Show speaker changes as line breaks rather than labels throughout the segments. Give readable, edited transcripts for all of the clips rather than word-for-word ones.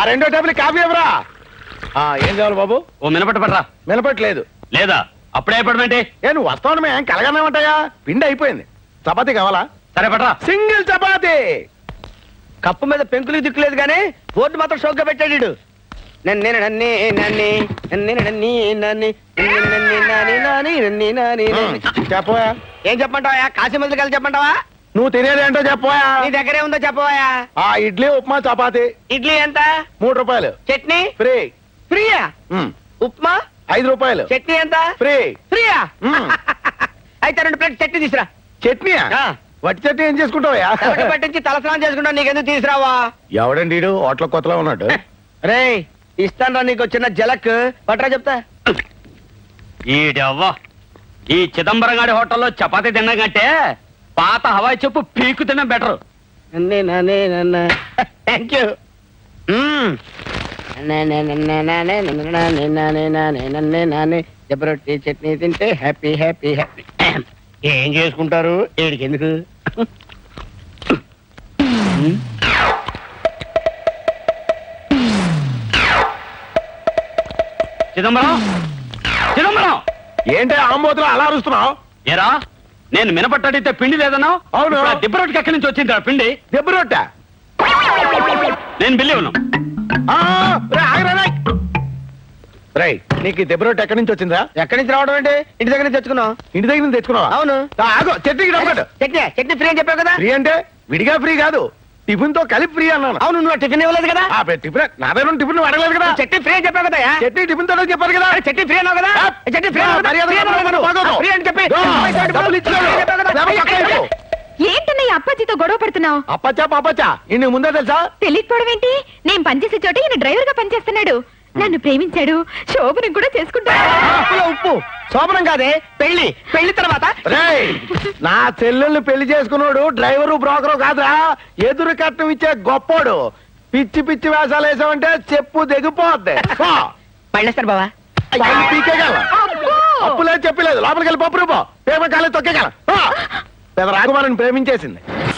రెండో table coffee ఎవరా? ఏం కావాలి బాబు?
ఓ మినపట్టు పట్టరా.
మినపట్లేదు.
లేదా అప్పుడే పడమంటే
నువ్వు వస్తావు ఏం కలగన్నామంటాయా? పిండి అయిపోయింది. చపాతీ కావాలా?
సరే పట్రా.
సింగిల్ చపాతీ.
కప్పు మీద పెంకులు దిక్కులేదు గానీ బోర్డు మాత్రం షోక్గా పెట్టాడు.
చెప్పవా?
ఏం చెప్పంటావా? కాశీ మందులు కలిసి చెప్పంటావా?
నువ్వు తినేది ఏంటో చెప్పవా?
నీ దగ్గరే ఉందో చెప్పవా?
ఇడ్లీ ఉప్మా చపాతీ.
ఇడ్లీ ఎంత?
3 రూపాయలు.
చట్నీ
ఫ్రీ.
ఫ్రీయా? ఉప్మా
5 రూపాయలు.
చట్నీ ఎంత?
ఫ్రీ.
ఫ్రీయా? అయితే 2 ప్లేట్ చట్నీ తీసురా.
చట్నీయా? వట్టి చట్నీ ఏం చేసుకుంటావా?
పట్టించి తలస్నానం చేసుకుంటా. నీకెందుకు తీసురావా?
ఎవడండి హోటల్ కొత్తలో ఉన్నాడు.
రే ఇస్తాను రా నీకు చిన్న జలక్. పట్రా చెప్తా.
ఈడవ్వా ఈ చిదంబరం గారి హోటల్లో చపాతీ తిన్నా కంటే పాత హవాయి చెప్పు పీకు తిన్నా బెటర్.
Thank you. జబరొట్టి చట్నీ తింటే హ్యాపీ హ్యాపీ హ్యాపీ. ఏం చేసుకుంటారు ఏడికి ఎందుకు?
చిదంబరం చిదంబరం
ఏంటి ఆంబోతులు అలా అరుస్తున్నావు?
ఏరా నేను మినపట్టు అడిగితే పిండి లేదన్నావు.
అవును.
దిబ్బ రొట్టెకి ఎక్కడి నుంచి వచ్చింది పిండి?
దెబ్బ రొట్టె.
నేను బిల్లి ఉన్నాను.
నీకు ఈ దెబ్బ రొట్టె ఎక్కడి నుంచి వచ్చిందా?
ఎక్కడి నుంచి రావడం అంటే ఇంటి దగ్గర నుంచి తెచ్చుకున్నావు.
ఇంటి దగ్గర నుంచి తెచ్చుకున్నావా?
అవును.
చట్నీకి డబ్బు.
చట్నీ ఫ్రీ అని చెప్పావు కదా.
ఫ్రీ అంటే విడిగా ఫ్రీ కాదు, టిఫిన్ తో కలిపి ఫ్రీ అన్నాను.
అవును నువ్వు టిఫిన్ ఇవ్వలేదు కదా.
టిఫిన్ నా దగ్గర టిఫిన్ అడగలేదు కదా.
చట్నీ ఫ్రీ అని చెప్పావు కదా.
చట్నీ టిఫిన్ తో చెప్పారు కదా.
చట్నీ ఫ్రీ అన్నావు కదా. చట్నీ ఫ్రీ అని చెప్పి
ఏంటన్నయ్య అప్పాజీతో గొడవ పడుతున్నావు?
అప్పచ్చా ఇన్ని ముందే తెలుసా?
తెలియకపోవడం ఏంటి? నేను పనిచేసే చోట ఈయన డ్రైవర్ గా పనిచేస్తున్నాడు. నన్ను ప్రేమించాడు. శోభనం కూడా చేసుకుంటాడు.
ఉప్పు శోభనం కాదే పెళ్లి. పెళ్లి తర్వాత
నా చెల్లెల్ని పెళ్లి చేసుకున్నాడు డ్రైవరు బ్రోకరు కాదురా, ఎదురు కట్నం ఇచ్చే గొప్పోడు. పిచ్చి పిచ్చి వేషాలు వేసామంటే చెప్పు దిగిపోద్ది.
పళ్ళేస్తారు బావా.
పీకేగల అప్పు లేదు చెప్పలేదు. లోపలికి వెళ్ళి పప్పు రూపో పేమ కాలేదు తొక్కేగల. పెద్ద రాకుమారిని ప్రేమించేసింది.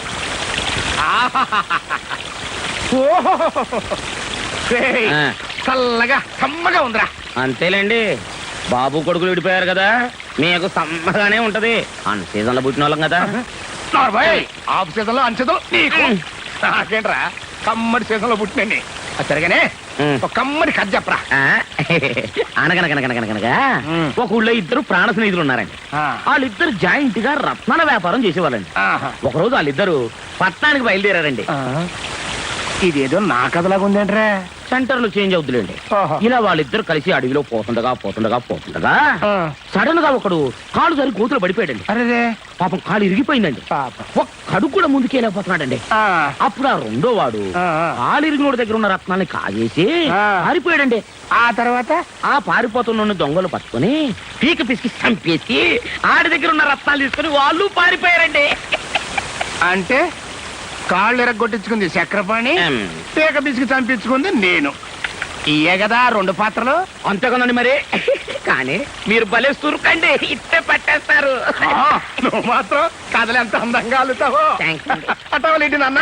చల్లగా సమ్మగా ఉందిరా.
అంతేలేండి, బాబు కొడుకులు విడిపోయారు కదా, మీకు సమ్మగానే ఉంటది. అన్ సీజన్ లో పుట్టిన వాళ్ళం కదా.
ఆఫ్ సీజన్ లో అంచదు నీకు నాకేంట్రా, కమ్మడి సీజన్ లో పుట్టినండి. సరిగానే ఒక కమ్మడి కథ చెప్పరా.
అనగనగనగనగనగా ఒక ఊళ్ళో ఇద్దరు ప్రాణ స్నేహితులు ఉన్నారండి. వాళ్ళిద్దరు జాయింట్ గా రత్నాల వ్యాపారం చేసేవాళ్ళండి. ఒకరోజు వాళ్ళిద్దరు పట్టణానికి బయలుదేరారండి.
ఇదేదో నా కథలాగా ఉందేంట్రా.
సెంటర్లు చేంజ్ అవుతులేండి. ఇలా వాళ్ళిద్దరు కలిసి అడవిలో పోతుండగా సడన్ గా ఒకడు కాలు సరి కూతురు పడిపోయాడండి.
అరే
పాపం కాలు ఇరిగిపోయిందండి. ఒక్కడు కూడా ముందుకెళ్ళిపోతున్నాడండి. అప్పుడు ఆ రెండో వాడు కాలు ఇరిగినోడి దగ్గర ఉన్న రత్నాన్ని కాజేసి పారిపోయాడండి.
ఆ తర్వాత
ఆ పారిపోతున్న దొంగలు పట్టుకుని పీక పిసికి చంపేసి ఆడి దగ్గర ఉన్న రత్నాలు తీసుకుని వాళ్ళు పారిపోయారండి.
అంటే కాళ్ళు ఎరగొట్టించుకుంది చక్రపాణి, పీక బిసికి చంపించుకుంది నేను. ఇయే కదా 2 పాత్రలు.
అంతేకదండి మరి. కానీ మీరు భలే సురుకండి, ఇట్టే పట్టేస్తారు.
నువ్వు మాత్రం కథలు ఎంత అందంగా అల్లుతావో. అటవలేంటి నాన్న.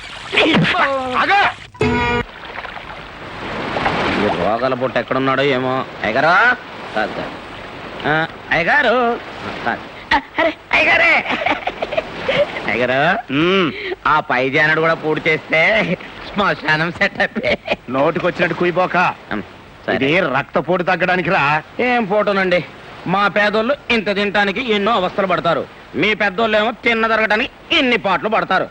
రోగాల పుట్ట ఎక్కడున్నాడో ఏమో. అయ్యగారా అయ్యగారు అయ్యగారే అయ్యగారు, ఆ పై జానడు కూడా పూర్తి చేస్తే శ్మశానం సెటప్.
నోటికొచ్చినట్టు కుయిపోక. ఇది రక్తపోటు తగ్గడానికి రా.
ఏం ఫోటోనండి, మా పేదోళ్ళు ఇంత తినటానికి ఎన్నో అవస్థలు పడతారు, మీ పెద్దోళ్ళు ఏమో తిన్న జరగటానికి ఇన్ని పాటలు పడతారు.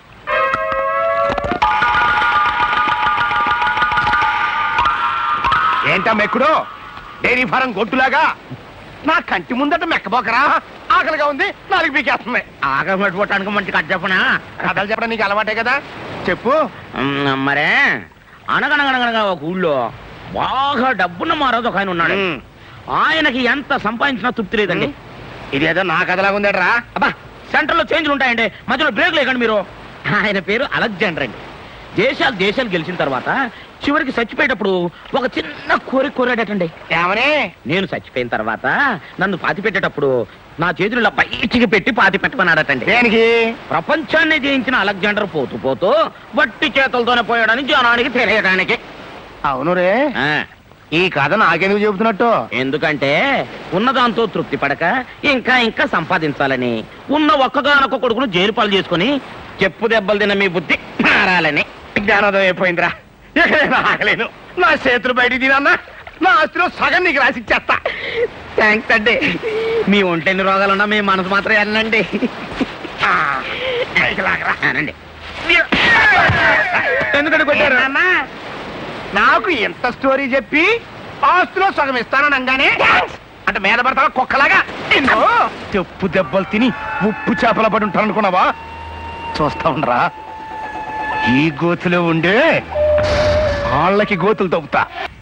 ఏంటా మెక్కుడు డైరీ ఫారం గొట్టులాగా నా కంటి ముందట మెక్కబోకరా. ఆకలిగా ఉంది, 4 పీకేస్తుంది.
ఆకలి పట్టుకోవటానికి మంచి కథ చెప్పనా?
కథలు చెప్పడం నీకు అలవాటే కదా, చెప్పు.
మరే అనగనగనగనగా ఒక ఊళ్ళో బాగా డబ్బున్న మారోజు ఒక ఆయన ఉన్నాడు. ఆయనకి ఎంత సంపాదించినా తృప్తి లేదండి.
ఇదేదో నా కథలాగా ఉందట్రా.
అబ్బా సెంటర్ లో చేంజ్లు ఉంటాయండి, మధ్యలో బ్రేక్ లేకండి మీరు. ఆయన పేరు అలెగ్జాండర్ అండి. దేశాలు గెలిచిన తర్వాత చివరికి చచ్చిపోయేటప్పుడు ఒక చిన్న కోరాడటండి.
ఏమని?
నేను చచ్చిపోయిన తర్వాత నన్ను పాతి పెట్టేటప్పుడు నా చేతులు ఇలా బయటికి పెట్టి పాతి పెట్టమన్నాడటండి.
దేనికి?
ప్రపంచాన్ని జయించిన అలెగ్జాండర్ పోతూ వట్టి చేతులతోనే పోయాడని జనానికి తెలియడానికి.
అవును రే,
ఆ,
ఈ కథ నాకెందుకు చెబుతున్నట్టు?
ఎందుకంటే ఉన్నదాంతో తృప్తి పడక ఇంకా ఇంకా సంపాదించాలని, ఉన్న ఒక్కగానొక్క కొడుకును జైలు పాలు చేసుకుని చెప్పు దెబ్బలు తిన్న మీ బుద్ధి మారాలని.
జ్ఞానోదయం అయిపోయిందిరా. ఇక నేను ఆగలేను. నా చేతులు బయటికి తినన్నా, నా ఆస్తిలో సగం నీకు రాసిచ్చేస్తా.
థ్యాంక్స్ అండి. మీ ఒంటెన్ని రోగాలున్నా మీ మనసు మాత్రం వెళ్ళండి. అనండి.
ఎందుకంటే కొట్టారు నాకు ఎంత స్టోరీ చెప్పి ఆస్తిలో సగం ఇస్తాననగానే అంటే మీద పడతావా కుక్కలాగా? నిన్ను చెప్పు దెబ్బలు తిని ఉప్పు చేపల పడి ఉంటాను అనుకున్నావా? చూస్తా ఉండరా, ఈ గోతులో ఉండే వాళ్ళకి గోతులు తవ్వుతా.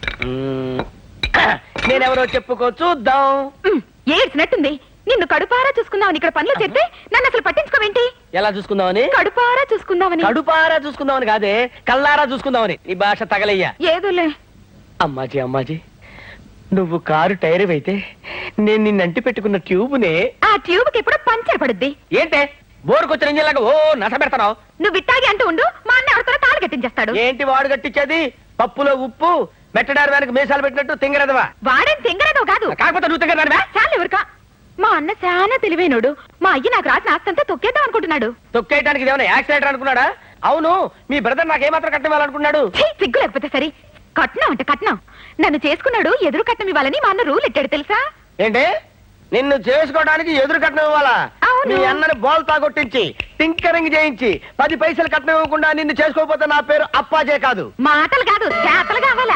నేనెవరో చెప్పుకో చూద్దాం.
ఏడ్చినట్టుంది. నిన్ను కడుపారా చూసుకుందామని ఇక్కడ పనులు చేస్తే నన్ను అసలు పట్టించుకోవేంటి?
ఎలా చూసుకుందామని?
కడుపారా చూసుకుందామని.
కడుపారా చూసుకుందామని కాదే, కల్లారా చూసుకుందామని. నీ భాష తగలయ్యా.
ఏదోలే.
అమ్మాజీ అమ్మాజీ, నువ్వు కారు టైర్ అయితే నేను నిన్నంటి పెట్టుకున్న ట్యూబ్నే.
ఆ ట్యూబ్ కి ఎప్పుడో పంచర్ పడుద్ది.
ఏంటే బోరుకొచ్చిన ఇంజిన్లాగా ఓ నస పెడతావు?
నువ్వు ఇట్టాగి అంటూ ఉండు, మా అన్న ఎవరితో తాళి కట్టించేస్తాడు.
ఏంటి వాడు కట్టించేది? పప్పులో ఉప్పు మెట్టడారు వెనక మీసాలు పెట్టినట్టు తింగరదవా?
వాడేం తింగరదో కాదు.
కాకపోతే నువ్వు తింగరదానివా?
చాలు ఎవరికా. మా అన్న చాలా తెలివైనోడు. మా అయ్య నాకు రాసిన ఆస్తంతా తొక్కేద్దాం అనుకుంటున్నాడు.
తొక్కేయడానికి ఏమైనా యాక్సిడెంట్ అనుకున్నాడా? అవును, మీ బ్రదర్ నాకేమాత్రం కట్టివ్వాలనుకున్నాడు?
ఛీ, సిగ్గు లేకపోతే సరే. కట్నం అంటే కట్నం. నన్ను చేసుకున్నాడు, ఎదురు కట్నం ఇవ్వాలని మా అన్న రూల్ ఎట్టాడు తెలుసా?
ఏంటి, నిన్ను చేసుకోవడానికి ఎదురు కట్నం ఇవ్వాలా?
అవును.
మీ అన్నని బోల్తా కొట్టించి టింకరింగ్ చేయించి 10 పైసలు కట్నం ఇవ్వకుండా నిన్ను చేసుకోకపోతే నా పేరు అప్పాజే కాదు.
మాటలు కాదు, చేతలు కావాలా?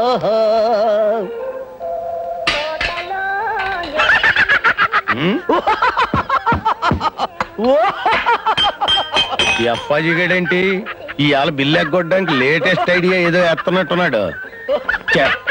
ఈ అప్పాజీ గడేంటి ఇవాళ బిల్లు ఎగ్గొట్టడానికి లేటెస్ట్ ఐడియా ఏదో ఎత్తనట్టున్నాడు. చెత్త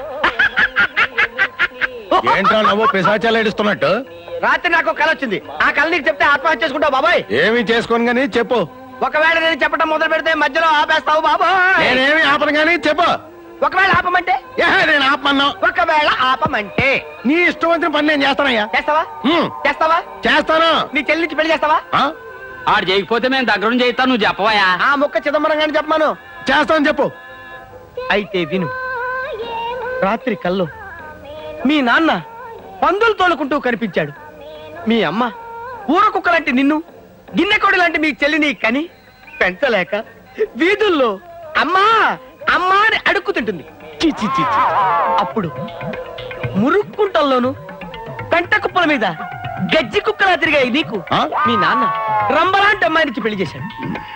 ఏంట్రా నవ్వు పిశాచాలు ఏడుస్తున్నట్టు?
రాత్రి నాకు ఒక కల వచ్చింది. ఆ కళ నీకు చెప్తే ఆత్మహత్య చేసుకుంటావు బాబాయ్.
ఏమి చేసుకోను గానీ చెప్పు.
ఒకవేళ నేను చెప్పడం మొదలు పెడితే మధ్యలో ఆపేస్తావు బాబాయ్.
నేనేమి ఆపను గానీ చెప్పు.
ఒకవేళ ఆపమంటే?
నేను ఆపమన్నా.
ఒకవేళ ఆపమంటే
నీ ఇష్టం వచ్చిన పని నేను చేస్తానయ్యా.
చేస్తావా? చేస్తావా?
చేస్తాను.
నీ చెల్లించి పెళ్లి చేస్తావా?
ఆడు చేయకపోతే మేము దగ్గర చేయిస్తాను, నువ్వు చెప్పవా?
ఆ ముక్క చిదంబరం గాని చెప్పమాను.
చేస్తాను చెప్పు.
అయితే విను. రాత్రి కల్లో మీ నాన్న పందులు తోలుకుంటూ కనిపించాడు. మీ అమ్మ ఊర కుక్క లాంటి నిన్ను, గిన్నెకోడి లాంటి మీ చెల్లిని కని పెంచలేక వీధుల్లో అమ్మా అమ్మా అని అడుక్కుతుంటుంది. చి చి చి చి. అప్పుడు మురుక్కుంటల్లోను పెంట కుప్పల మీద గజ్జి కుక్కలా తిరిగాయి నీకు మీ నాన్న రంబలాంటి అమ్మాయినిచ్చి పెళ్లి చేశాడు.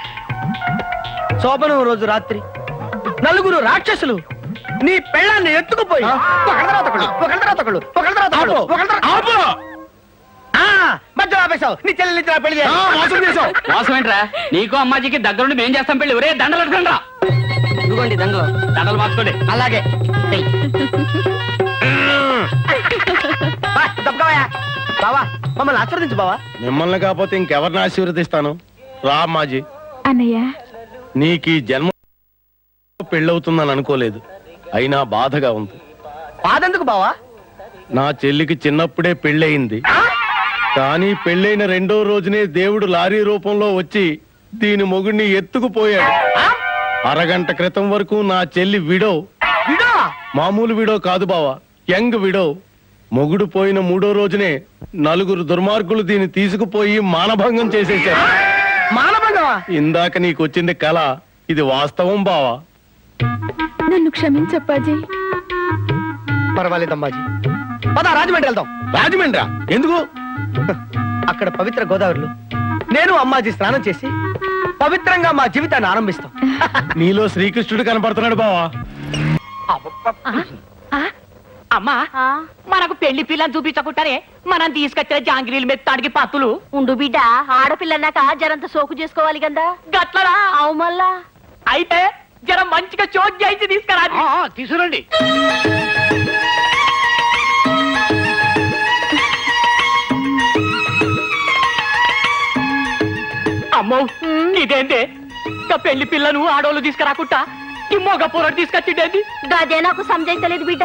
శోభనం రోజు రాత్రి నలుగురు రాక్షసులు నీ పెళ్ళాన్ని ఎత్తుకుపోయి ఒకళ్ళ తర్వాత ఒకళ్ళు, ఒకళ్ళ తర్వాత ఒకళ్ళు, ఒకళ్ళ తర్వాత ఒకళ్ళు, ఒకళ్ళ తర్వాత మధ్యలో ఆపేశావు. నీ చెల్లెలు ఇచ్చిన పెళ్లి చేశావు.
మోసం ఏంట్రా? నీకు అమ్మాజీకి దగ్గరుండి మేం చేస్తాం పెళ్లి. ఒరే దండలు అడగండి రా. ఇదిగోండి దండలు, దండలు మార్చుకోండి.
అలాగే బావా, మమ్మల్ని ఆశీర్వదించు బావా.
మిమ్మల్ని కాకపోతే ఇంకెవరిని ఆశీర్వదిస్తాను? రా మాజీ.
అన్నయ్య,
నీకు ఈ జన్మ పెళ్ళవుతుందని అనుకోలేదు, అయినా బాధగా ఉంది.
బాధెందుకు బావా?
నా చెల్లికి చిన్నప్పుడే పెళ్ళయింది. కానీ పెళ్ళైన 2వ రోజునే దేవుడు లారీ రూపంలో వచ్చి దీని మొగుడిని ఎత్తుకుపోయాడు. అరగంట క్రితం వరకు నా చెల్లి విడో.
విడో?
మామూలు విడో కాదు బావా, యంగ్ విడో. మొగుడు పోయిన 3వ రోజునే 4 దుర్మార్గులు దీన్ని తీసుకుపోయి మానభంగం చేసేశారు.
మానభంగమా?
ఇందాక నీకు వచ్చింది కళ, ఇది వాస్తవం బావా.
నన్ను క్షమించప్పాజీ.
పర్వాలేదమ్మాజీ, పద రాజమండ్రి వెళ్దాం.
రాజమండ్రా? ఎందుకు?
అక్కడ పవిత్ర గోదావరిలో నేను అమ్మాజీ స్నానం చేసి పవిత్రంగా మా జీవితాన్ని ఆరంభిస్తాం.
నీలో శ్రీకృష్ణుడు కనపడుతున్నాడు బావా.
అమ్మా, మనకు పెళ్లి పిల్లని చూపించకుండానే మనం తీసుకొచ్చిన జాంగిరీలు మెత్తాడికి పత్తులు
ఉండు బిడ్డ, ఆడపిల్లన్నాక జరంత సోకు చేసుకోవాలి కదా.
గట్లరా?
అవు మళ్ళా.
అయితే జర మంచిగా చోట్ చేయించి తీసుకురా.
తీసుకురండి.
అమ్మో, ఇదేంటే పెళ్లి పిల్లను ఆడోళ్ళు తీసుకురాకుండా ఈ మొగ పూరడు తీసుకొచ్చిండేది.
గదే నాకు సంజయించలేదు బిడ్డ.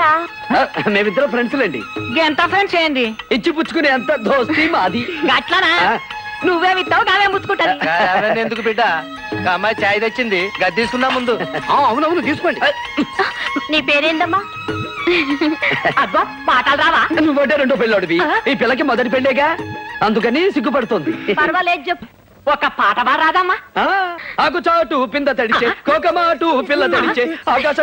మేమిద్దరం ఫ్రెండ్స్ లేండి.
ఎంత ఫ్రెండ్స్ ఏంది?
ఇచ్చి పుచ్చుకునే అంత దోస్తి మాది.
గట్లనా?
నువ్వే విత్తావు కావే ముచ్చుకుంటది
అవన్నీ ఎందుకు బిడ్డ ఒక అమ్మాయి చాయ్ తెచ్చింది గది తీసుకున్నా ముందు
అవునవును తీసుకోండి.
నీ పేరేందమ్మా అబ్బా పాటలు రావా
నువ్వంటే రెండో పెళ్ళోడివి ఈ పిల్లకి మొదటి పెళ్ళేగా అందుకని సిగ్గుపడుతుంది
పర్వాలేదు చెప్పు ఒక పాట రాదమ్మా
ఆకు చాటు పింద తడిచే కోకమాటు పిల్ల తడిచే ఆకాశ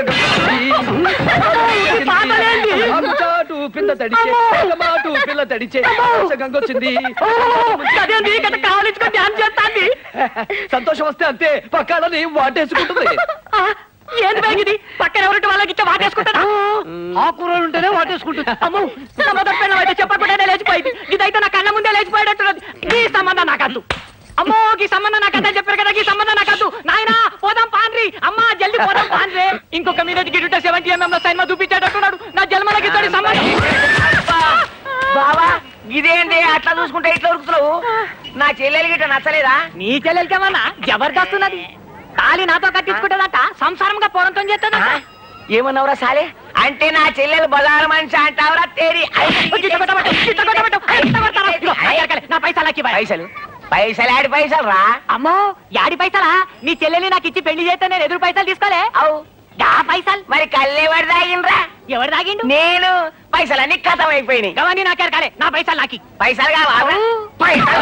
ఆకు చాటు పింద తడిచే కోకమాటు పిల్ల తడిచే ఆకాశ గంగొచ్చింది
కావాలించుకొని ధ్యానం చేస్తాంది
సంతోషం వస్తే అంతే పక్కాలని వాటేసుకుంటుంది
ఏంది బ్యాగ్ ఇది పక్కన ఎవరింటి వాళ్ళకి ఇచ్చే వాటేసుకుంటారా
ఆ కూరలు ఉంటేనే వాటేసుకుంటుంది
అమ్మో సంబంధం పెళ్ళం అయితే చెప్పకుండా లేచిపోయింది ఇదైతే నా కళ్ళ ముందే లేచిపోయేటట్టున్నది ఈ సంబంధం నాకద్దు అమ్మో ఈ సంబంధం నాకద్దని చెప్పారు కదా ఈ సంబంధం నాకద్దు నాయనా పోదాం పాన్రి అమ్మా జల్ది పోదాం పాన్రే ఇంకొక మీదకి గిట్ట 70mm లో సినిమా చూపించేటట్టున్నాడు నా జన్మలకి ఇతడి సంబంధం
బావా ఇదేంటి అట్లా చూసుకుంటే ఇట్లా ఉరుకుతున్నావు నా చెల్లెలు గిట్ట నచ్చలేదా
నీ చెల్లెలకేమన్నా జబర్దస్తున్నది తాళి నాతో కట్టించుకుంటుందట సంసారంగా పోరంతో చేస్తుందట
ఏమన్నావురా సాలే అంటే నా చెల్లెలు బజారు మనిషి అంటావురా తేరి
నా పైసలకి
పైసలు పైసలు ఆడి పైసలు రా
అమ్మో యాడి పైసలా నీ చెల్లెల్ని నాకు ఇచ్చి పెళ్లి చేస్తే నేను ఎదురు పైసలు తీసుకోలే
అవు
డా పైసలు
మరి కళ్ళెవరు తాగిండ్రా
ఎవరు తాగిండు
నేను పైసలన్నీ కథం అయిపోయినాయి
గవన్నీ నాకే కాలే నా పైసలు నాకి
పైసలు కావాలా పైసలు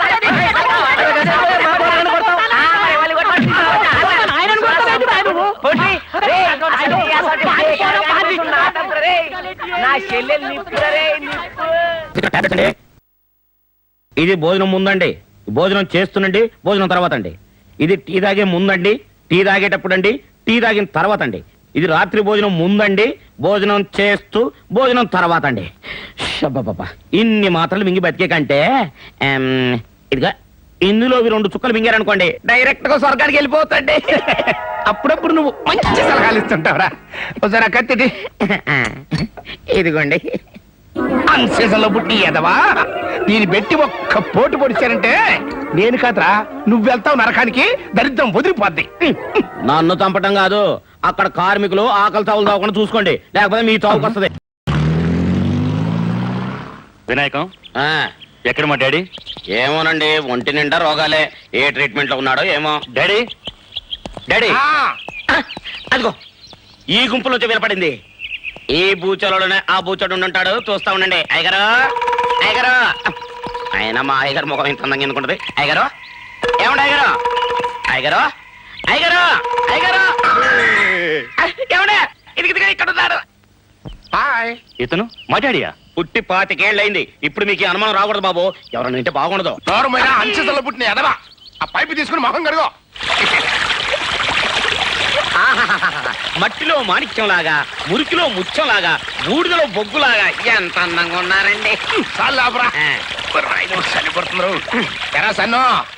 నా చెల్లెలు నిప్పురే నిప్పు
ఇది భోజనం ముందండి భోజనం చేస్తున్నండి భోజనం తర్వాత అండి ఇది టీ తాగే ముందండి టీ తాగేటప్పుడు అండి టీ తాగిన తర్వాత అండి ఇది రాత్రి భోజనం ముందండి భోజనం చేస్తూ భోజనం తర్వాత అండి షబ్బబ్బబ్బా. ఇన్ని మాత్రలు మింగి బతికే కంటే ఇదిగా ఇందులో 2 చుక్కలు మింగారనుకోండి డైరెక్ట్ గా స్వర్గానికి వెళ్ళిపోతండి.
అప్పుడప్పుడు నువ్వు మంచి సలహాలు ఇస్తుంటావురా. ఒకసారి ఆ కత్తి
ఇదిగోండి
అన్సీజన్లో పుట్టి ఎదవా దీన్ని పెట్టి ఒక్క పోటు పొడిచారంటే నేను కాదురా నువ్వు వెళ్తావు నరకానికి దరిద్రం వదిలిపోద్ది.
నన్ను చంపటం కాదు అక్కడ కార్మికులు ఆకలి చావులు తాగకుండా చూసుకోండి లేకపోతే మీ చావుకు వస్తుంది.
వినాయకం
ఆ,
ఎక్కడ మా డాడీ?
ఏమోనండి ఒంటి నిండా రోగాలే ఏ ట్రీట్మెంట్ లో ఉన్నాడో ఏమో.
డాడీ డాడీ
ఆ,
అదిగో ఈ గుంపులో వినపడింది. ఈ బూచలోనే ఆ బూచోడు ఉంటాడు చూస్తా ఉండండి. అయ్యగారు అయ్యగారు ఆయన మా అయ్యగారు ముఖం ఇంత అందంగా ఎందుకుంటది. అయ్యగారు ఏమండి అయ్యగారు అయ్యగారు అయ్యగారు అయ్యగారు ఏమండే ఇది ఇక్కడ ఉన్నారు.
హాయ్.
ఇతను మా డాడీయా?
పుట్టి 25 ఏళ్ళయింది. ఇప్పుడు మీకు ఈ అనుమానం రాకూడదు బాబు. ఎవరన్నా వింటే బాగుండదు.
నోరమైన అన్సీజన్లో పుట్టిన ఎదవా ఆ పైపు తీసుకుని మొహం కడుగో.
ఆహాహాహా. మట్టిలో మాణిక్యంలాగా మురికిలో ముత్యంలాగా బూడిదలో బొగ్గులాగా ఎంత అందంగా ఉన్నారండి.
చాలు లాభరా
ఆ.
చలి పడుతున్నారు. ఎరా సన్నో